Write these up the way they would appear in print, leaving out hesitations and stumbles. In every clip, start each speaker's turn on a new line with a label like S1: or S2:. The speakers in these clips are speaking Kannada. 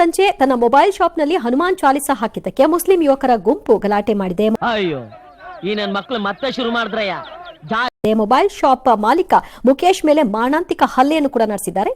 S1: ಸಂಜೆ ತನ್ನ ಮೊಬೈಲ್ ಶಾಪ್ನಲ್ಲಿ ಹನುಮಾನ್ ಚಾಲಿಸಾ ಹಾಕಿದ್ದಕ್ಕೆ ಮುಸ್ಲಿಂ ಯುವಕರ ಗುಂಪು ಗಲಾಟೆ ಮಾಡಿದೆ.
S2: ಅಯ್ಯೋ ಈ ನನ್ನ ಮಕ್ಕಳು ಮತ್ತೆ ಶುರು ಮಾಡಿದ್ರಯ್ಯ.
S1: ಮೊಬೈಲ್ ಶಾಪ್ ಮಾಲೀಕ ಮುಖೇಶ್ ಮೇಲೆ ಮಾರಣಾಂತಿಕ ಹಲ್ಲೆಯನ್ನು ಕೂಡ ನಡೆಸಿದ್ದಾರೆ.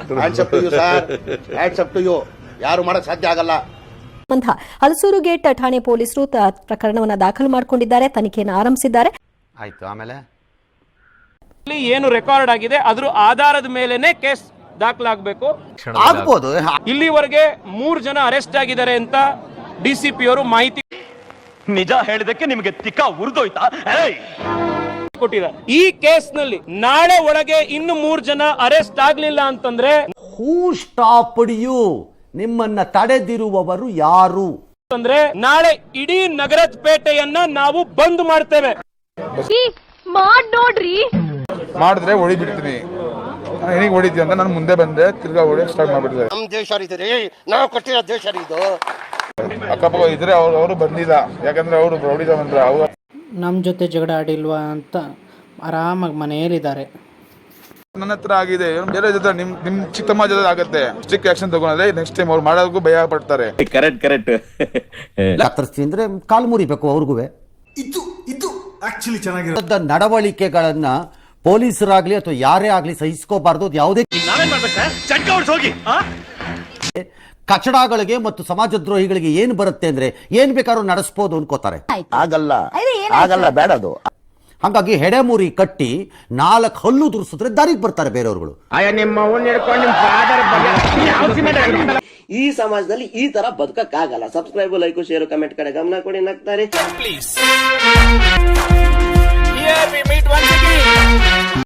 S3: ಯಾರು ಮಾಡಕ್ ಸಾಧ್ಯ ಆಗಲ್ಲ.
S1: ಹಲಸೂರು ಗೇಟ್ ಠಾಣೆ ಪೊಲೀಸರು ಪ್ರಕರಣವನ್ನು ದಾಖಲು ಮಾಡಿಕೊಂಡಿದ್ದಾರೆ, ತನಿಖೆಯನ್ನು ಆರಂಭಿಸಿದ್ದಾರೆ.
S3: ಆಯ್ತು, ಆಮೇಲೆ
S4: ಏನು ರೆಕಾರ್ಡ್ ಆಗಿದೆ ಅದ್ರ ಆಧಾರದ ಮೇಲೆನೆ ಕೇಸ್ ದಾಖಲಾಗಬೇಕು.
S3: ಆಗ್ಬೋದು.
S4: ಇಲ್ಲಿವರೆಗೆ 3 ಜನ ಅರೆಸ್ಟ್ ಆಗಿದ್ದಾರೆ ಅಂತ ಡಿಸಿಪಿ ಅವರು ಮಾಹಿತಿ
S5: ನಿಜ ಹೇಳಿದಕ್ಕೆ ನಿಮಗೆ ತಿಕ್ಕ ಉರಿದೋಯ್ತಾ
S4: ಕೊಟ್ಟಿದ್ದಾರೆ. ಈ ಕೇಸ್ ನಲ್ಲಿ ನಾಳೆ ಒಳಗೆ ಇನ್ನು 3 ಜನ ಅರೆಸ್ಟ್ ಆಗ್ಲಿಲ್ಲ ಅಂತಂದ್ರೆ
S6: ಹೂ ಸ್ಟಾಪ್ಡ್ ಯು, ನಿಮ್ಮನ್ನ ತಡೆದಿರುವವರು ಯಾರು
S4: ಅಂದ್ರೆ ನಾಳೆ ಇಡೀ ನಗರದ ಪೇಟೆಯನ್ನ ನಾವು ಬಂದ್ ಮಾಡ್ತೇವೆ.
S7: ನೋಡ್ರಿ
S8: ಮಾಡಿದ್ರೆ ಹೊಡಿ ಬಿಡ್ತೀನಿ. ಏನಿಗೆ ಹೊಡಿತೀವಿ ಅಂತ ನಾನು ಮುಂದೆ ಬಂದೆ, ತಿರ್ಗಾ ಹೊಡಿ ಸ್ಟಾರ್ಟ್ ಮಾಡ್ಬಿಡ್ತಾರೆ.
S3: ನಮ್ ದೇಶ ನಾವು ಕಟ್ಟಿರೋ ದೇಶ ಇದು.
S8: ಅಕ್ಕಪಕ್ಕ ಇದ್ರೆ ಅವರು ಬಂದಿಲ್ಲ, ಯಾಕಂದ್ರೆ ಅವರು ಹೊಡಿದ ಬಂದ್ರೆ ಅವ್ರು
S9: ನಮ್ಮ ಜೊತೆ ಜಗಳ ಆಡಿಲ್ವಾ ಅಂತ ಆರಾಮಾಗಿ ಮನೆಯಲ್ಲಿದ್ದಾರೆ.
S8: ನನ್ನ ಹತ್ರ ಆಗಿದೆ, ಬೇರೆ ಜೊತೆ ನಿಮ್ ಚಿಕ್ಕಮ್ಮ ಜೊತೆ ಆಗುತ್ತೆ. ಸ್ಟ್ರಿಕ್ಟ್ ಆಕ್ಷನ್ ತಗೊಂಡ್ರೆ ನೆಕ್ಸ್ಟ್ ಟೈಮ್ ಅವ್ರು ಮಾಡೋದಕ್ಕೂ ಭಯ ಪಡ್ತಾರೆ.
S5: ಕರೆಕ್ಟ್
S6: ಕತ್ತರಿಸ್ತೀವಿ ಅಂದ್ರೆ ಕಾಲು ಮುರಿಬೇಕು ಅವ್ರಿಗೂ. ನಡವಳಿಕೆಗಳನ್ನ ಪೊಲೀಸರಾಗ್ಲಿ ಅಥವಾ ಯಾರೇ ಆಗ್ಲಿ ಸಹಿಸ್ಕೋಬಾರ್ದು. ಯಾವುದೇ ಕಚಡಗಳಿಗೆ ಮತ್ತು ಸಮಾಜದ್ರೋಹಿಗಳಿಗೆ ಏನ್ ಬರುತ್ತೆ ಅಂದ್ರೆ ಏನ್ ಬೇಕಾದ್ರೂ ನಡೆಸಬಹುದು ಅನ್ಕೋತಾರೆ.
S3: ಆಗಲ್ಲ ಬೇಡದು.
S6: ಹಾಗಾಗಿ ಹೆಡೆಮುರಿ ಕಟ್ಟಿ 4 ಹಲ್ಲು ದುರ್ಸಿದ್ರೆ ದಾರಿಗೆ ಬರ್ತಾರೆ ಬೇರೆಯವ್ರುಗಳು.
S10: ಈ ಸಮಾಜದಲ್ಲಿ ಈ ತರ ಬದುಕಕ್ಕಾಗಲ್ಲ. ಸಬ್ಸ್ಕ್ರೈಬ್, ಲೈಕ್, ಶೇರ್, ಕಮೆಂಟ್ ಕಡೆ ಗಮನ ಕೊಡಿ. ನಗ್ತಾರೆ.